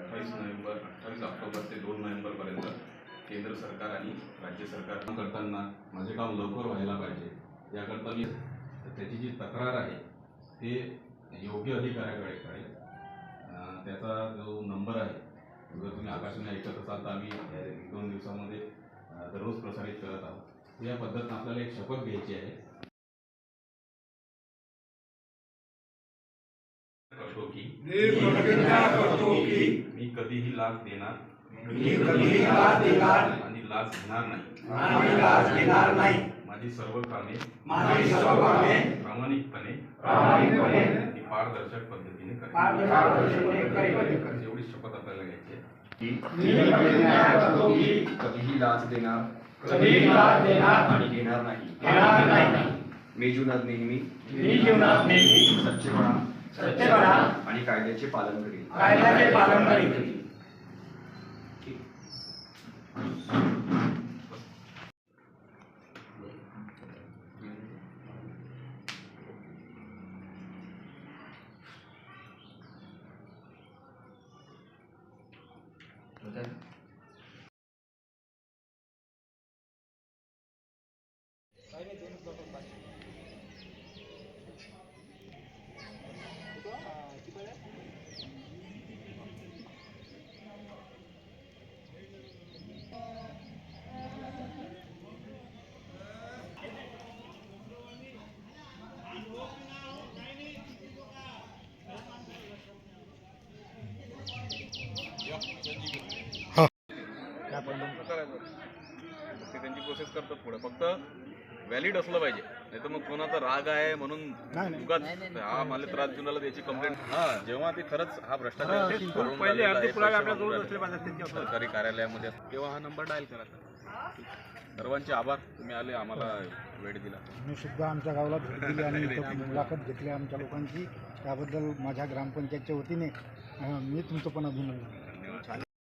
28 October ते 2 नोव्हेंबरपर्यंत केंद्र सरकार आणि राज्य सरकार करताना माझे काम लवकर व्हायला पाहिजे याकरता मी त्याची जी तक्रार आहे ते योग्य अधिकाऱ्याकडे कळेल। त्याचा जो नंबर आहे जर तुम्ही आकाशवाणी ऐकत असाल तर आम्ही 1-2 दिवसामध्ये दररोज प्रसारित करत आहोत। या पद्धतीने आपल्याला एक शपथ घ्यायची आहे। मी कधीही लाच देणार आणि लाच घेणार नाही। माझी सर्व कामे प्रामाणिकपणे आणि पारदर्शक पद्धतीने करेन। एवढी शपथ आपल्याला घ्यायची आहे। कधीही लाच देणार आणि घेणार नाही। मी जीवनात नेहमी सच्चेपणा आणि कायद्याचे पालन करेन। त्यांची प्रोसेस करतात पुढे, फक्त व्हॅलिड असलं पाहिजे, नाही तर मग कोणाचा राग आहे म्हणून उगाच हा मला त्रास देऊन आला त्याची कंप्लेंट। जेव्हा ते खरंच हा भ्रष्टाचार सरकारी कार्यालयामध्ये तेव्हा हा नंबर डायल करायचा। सर्वांचे आभार, तुम्ही आले, आम्हाला वेळ दिला। मी सुद्धा आमच्या गावाला भेट दिली आणि मुलाखत घेतली आमच्या लोकांची, त्याबद्दल माझ्या ग्रामपंचायतच्या वतीने मी तुमचं पण अभिनंदन।